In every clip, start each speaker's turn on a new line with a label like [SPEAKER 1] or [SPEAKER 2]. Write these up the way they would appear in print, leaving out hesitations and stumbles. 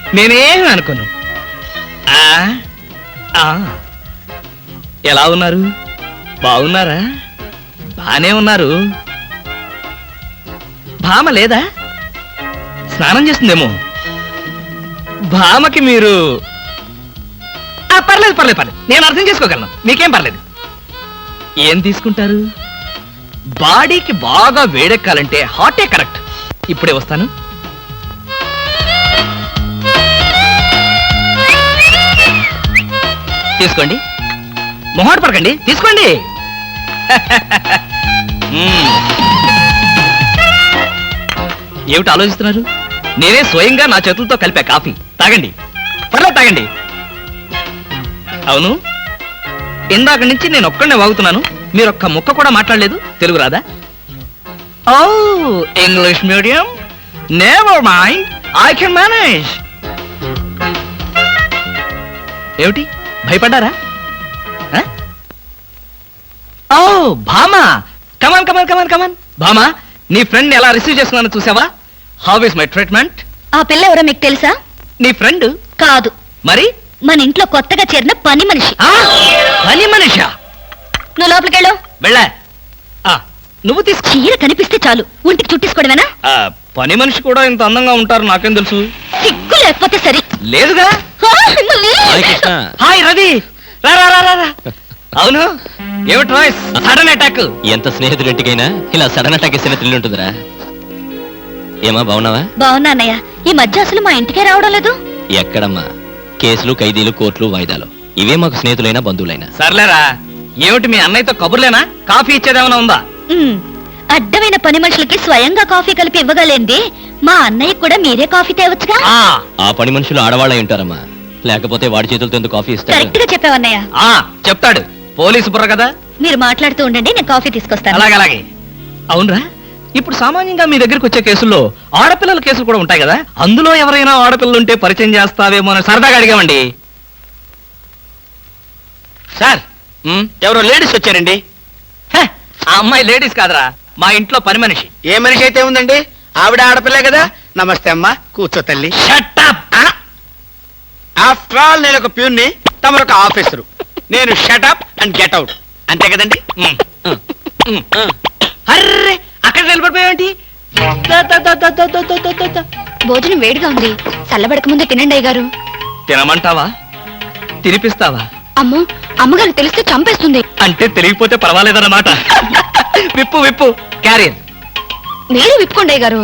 [SPEAKER 1] నేనేం అనుకోను. ఎలా ఉన్నారు? బాగున్నారా? బానే ఉన్నారు. భామ లేదా? స్నానం చేస్తుందేమో. భామకి మీరు పర్లేదు పర్లేదు పర్లేదు, నేను అర్థం చేసుకోగలను, మీకేం పర్లేదు. ఏం తీసుకుంటారు? బాడీకి బాగా వేడెక్కాలంటే హాటే కరెక్ట్. ఇప్పుడే వస్తాను. తీసుకోండి, మొహాట పడకండి, తీసుకోండి. ఏమిటి ఆలోచిస్తున్నారు? నేనే స్వయంగా నా చేతులతో కలిపా కాఫీ. తాగండి, పర్లేదు తాగండి. అవును, ఇందాక నుంచి నేను ఒక్కడనే వాగుతున్నాను, మీరొక్క ముక్క కూడా మాట్లాడలేదు. తెలుగు రాదా? ఓ, English medium. Never mind, I can manage. ఏమిటి భయపడ్డారా? ఓ భామా, కమాన్ కమాన్ కమాన్ కమాన్. భామా, నీ ఫ్రెండ్ ఎలా రిసీవ్ చేస్తున్నానో చూసావా? How is my treatment?
[SPEAKER 2] ఆ పిల్ల ఎవరో మీకు తెలుసా?
[SPEAKER 1] నీ ఫ్రెండ్
[SPEAKER 2] కాదు.
[SPEAKER 1] మరి?
[SPEAKER 2] మన ఇంట్లో కొత్తగా చేరిన పని మనిషి.
[SPEAKER 1] పని మనిషా?
[SPEAKER 2] నువ్వు లోపలికెళ్ళు.
[SPEAKER 1] వెళ్ళా. నువ్వు తీసుకో.
[SPEAKER 2] చీర కనిపిస్తే చాలు ఒంటికి చుట్టేసుకోవడమేనా?
[SPEAKER 1] పని మనిషి కూడా ఇంత అందంగా ఉంటారు నాకేం తెలుసు.
[SPEAKER 2] సిగ్గు లేకపోతే సరే.
[SPEAKER 1] లేదుగా. హాయ్ రవి, రా రా రా రా. అవును, ఏమిటి వాయిస్? Sudden attack.
[SPEAKER 3] ఎంత స్నేహితుడింటికైనా ఇలా సడన్ అటాక్ ఇస్తే థ్రిల్ ఉంటుందిరా. ఏమా బాగున్నావా?
[SPEAKER 2] బాగున్నా అన్నయ్య. ఈ మధ్య అసలు మా ఇంటికే రావడం లేదు.
[SPEAKER 3] ఎక్కడమ్మా? కేసులు, ఖైదీలు, కోర్టులు, వాయిదాలు, ఇవే మాకు స్నేహితులైనా బంధువులైనా.
[SPEAKER 1] సర్లేరా, ఏమిటి మీ అన్నయ్యతో కబుర్లేనా? కాఫీ ఇచ్చేదేమైనా ఉందా?
[SPEAKER 2] అడ్డమైన పని మనుషులకి స్వయంగా కాఫీ కలిపి ఇవ్వగలేంది మా అన్నయ్య కూడా మీరే కాఫీ తేవచ్చుగా.
[SPEAKER 3] ఆ పని మనుషులు ఆడవాళ్ళ ఉంటారమ్మా, లేకపోతే వాడి చేతులతో ఎందుకు కాఫీ ఇస్తాడు?
[SPEAKER 2] కరెక్ట్ గా చెప్పావన్నయ్య.
[SPEAKER 1] చెప్తాడు, పోలీసు బుర్ర కదా.
[SPEAKER 2] మీరు మాట్లాడుతూ ఉండండి, నేను కాఫీ తీసుకొస్తాను.
[SPEAKER 1] అలాగే అలాగే. అవునరా, ఇప్పుడు సామాన్యంగా మీ దగ్గరికి వచ్చే కేసుల్లో ఆడపిల్లల కేసులు కూడా ఉంటాయి కదా, అందులో ఎవరైనా ఆడపిల్లలు ఉంటే పరిచయం చేస్తావేమో అని సరదాగా అడిగామండి.
[SPEAKER 4] సార్, ఎవరో లేడీస్ వచ్చారండి.
[SPEAKER 1] ఆ అమ్మాయి లేడీస్ కాదరా, మా ఇంట్లో పని మనిషి.
[SPEAKER 4] ఏ మనిషి అయితే ఉందండి, ఆవిడ ఆడపిల్లే కదా. నమస్తే అమ్మా, కూర్చో తల్లి. ఆఫ్టర్ ఆల్ నేను ఒక ప్యూన్ని, తమరొక ఆఫీసరు. నేను షటప్ అండ్ గెట్ అవుట్, అంతే కదండి.
[SPEAKER 1] అర్రే, అక్కడ నిలబడిపోయావేంటి?
[SPEAKER 2] భోజనం వేడిగా ఉంది, చల్లబడక ముందే తినండి అయ్యగారు.
[SPEAKER 1] తినమంటావా? తినిపిస్తావా?
[SPEAKER 2] అమ్మో, అమ్మగారు తెలిస్తే చంపేస్తుంది.
[SPEAKER 1] అంటే తెలియకపోతే పర్వాలేదన్నమాట. విప్పు విప్పు, క్యారియర్.
[SPEAKER 2] మీరు విప్పుకోండి అయ్యగారు.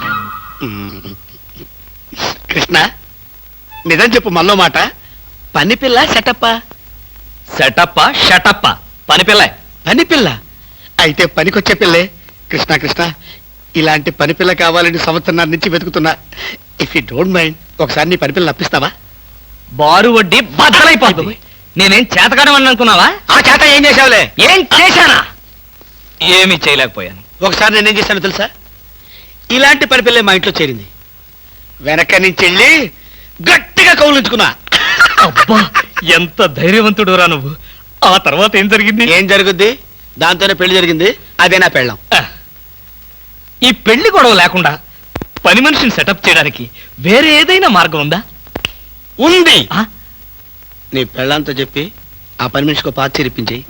[SPEAKER 4] కృష్ణ, నిజం చెప్పు, మల్లో మాట. పని పిల్ల సెటప్పా?
[SPEAKER 1] సెటప్పా షటప్పా? పని పిల్ల.
[SPEAKER 4] పని పిల్ల అయితే పనికొచ్చే పిల్లే. కృష్ణ కృష్ణ, ఇలాంటి పని పిల్ల కావాలని సంవత్సరం నుంచి వెతుకుతున్నా. ఇఫ్ యూ డోంట్ మైండ్, ఒకసారి నీ పని పిల్ల అప్పిస్తావా?
[SPEAKER 1] బారు వడ్డీ బద్దలైపోతుంది. నేనేం చేతకాడమని అనుకున్నావా?
[SPEAKER 4] ఆ చేత ఏం చేసావులే?
[SPEAKER 1] ఏం చేశానా? ఏమీ చేయలేకపోయాను.
[SPEAKER 4] ఒకసారి నేనేం చేశానో తెలుసా? ఇలాంటి పని పిల్లే మా ఇంట్లో చేరింది. వెనక నుంచి వెళ్ళి గట్టిగా కౌలించుకున్నా.
[SPEAKER 1] అబ్బా, ఎంత ధైర్యవంతుడు రా నువ్వు. ఆ తర్వాత ఏం జరిగింది?
[SPEAKER 4] ఏం జరుగుద్ది? దాంతోనే పెళ్లి జరిగింది. అదే నా పెళ్ళం.
[SPEAKER 1] ఈ పెళ్లి గొడవ లేకుండా పని మనిషిని సెటప్ చేయడానికి వేరే ఏదైనా మార్గం ఉందా?
[SPEAKER 4] ఉంది. నీ పెళ్ళంతో చెప్పి ఆ పని మనిషికి పాత చేరిపించేయి.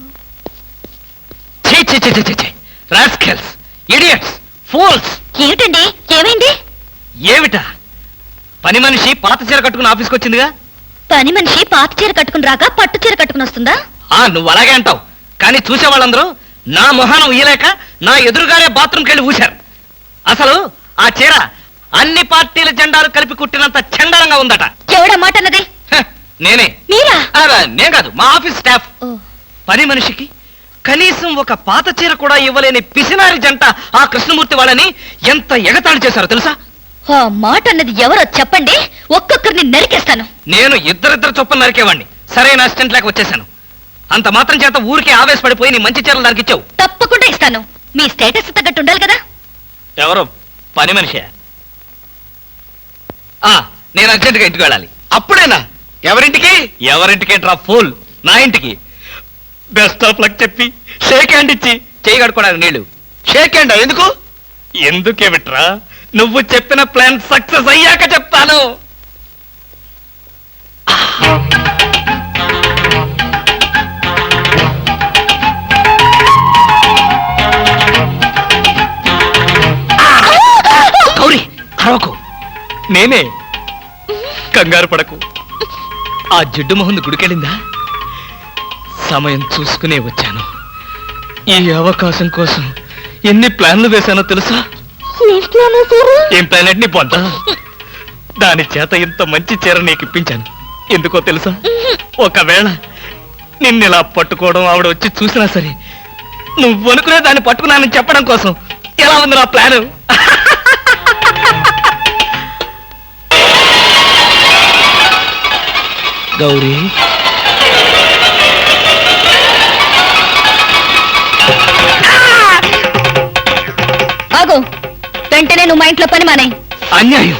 [SPEAKER 2] ఏమిటండి, ఏమైంది?
[SPEAKER 1] ఏమిటా? పని మనిషి పాత చీర కట్టుకుని ఆఫీస్కి వచ్చిందిగా.
[SPEAKER 2] పని మనిషి పాత చీర కట్టుకుని రాక పట్టు చీర కట్టుకుని వస్తుందా?
[SPEAKER 1] నువ్వు అలాగే అంటావు, కానీ చూసే వాళ్ళందరూ నా మొహానం ఊయలేక నా ఎదురుగానే బాత్రూమ్కి వెళ్ళి ఊశారు. అసలు ఆ చీర అన్ని పార్టీల జెండాలు కలిపి కుట్టినంత చండాలంగా ఉందట.
[SPEAKER 2] ఎవడా మాట అన్నది?
[SPEAKER 1] నేనే.
[SPEAKER 2] మీరా?
[SPEAKER 1] నేను కాదు, మా ఆఫీస్ స్టాఫ్. పని మనిషికి కనీసం ఒక పాత చీర కూడా ఇవ్వలేని పిసినారి జంట ఆ కృష్ణమూర్తి వాళ్ళని ఎంత ఎగతాళి చేశారో తెలుసా?
[SPEAKER 2] ఆ మాట అన్నది ఎవరో చెప్పండి, ఒక్కొక్కరిని నరికేస్తాను.
[SPEAKER 1] నేను ఇద్దరిద్దరు చొప్పున నరికేవాడిని. సరైన అసిస్టెంట్ లేక వచ్చేసాను. అంత మాత్రం చేత ఊరికే ఆవేశపడిపోయి నీ మంచి చీరలు నరికిచ్చావు.
[SPEAKER 2] తప్పకుండా ఇస్తాను. మీ స్టేటస్ తగ్గట్టు ఉండాలి కదా.
[SPEAKER 1] ఎవరో పని మనిషి. నేను అర్జెంటుగా ఇంటికి వెళ్ళాలి.
[SPEAKER 4] అప్పుడేనా? ఎవరింటికి?
[SPEAKER 1] ఎవరింటికి డ్రా ఫూల్, నా ఇంటికి. బెస్ట్ ఆఫ్ లక్ చెప్పి షేక్ హ్యాండ్ ఇచ్చి చేయి కడుకోవడానికి నీళ్లు.
[SPEAKER 4] షేక్ హ్యాండ్ ఎందుకు?
[SPEAKER 1] ఎందుకే బిట్రా, నువ్వు చెప్పిన ప్లాన్ సక్సెస్ అయ్యాక చెప్తాను. నేనే. కంగారు పడకు. ఆ జిడ్డు మొహంది గుడికెళ్ళిందా? సమయం చూసుకునే వచ్చాను. ఈ అవకాశం కోసం ఎన్ని ప్లాన్లు వేశానో తెలుసా? ఏం ప్లాన్ అంటే నీ పొంత? దాని చేత ఇంత మంచి చీర నీకు ఇప్పించాను. ఎందుకో తెలుసా? ఒకవేళ నిన్నిలా పట్టుకోవడం ఆవిడ వచ్చి చూసినా సరే నువ్వు అనుకునే దాన్ని పట్టుకున్నానని చెప్పడం కోసం. ఎలా ఉంది నా ప్లాను? గౌరీ,
[SPEAKER 2] ఆగు. వెంటనే నువ్వు మా ఇంట్లో పని మానే.
[SPEAKER 1] అన్యాయం.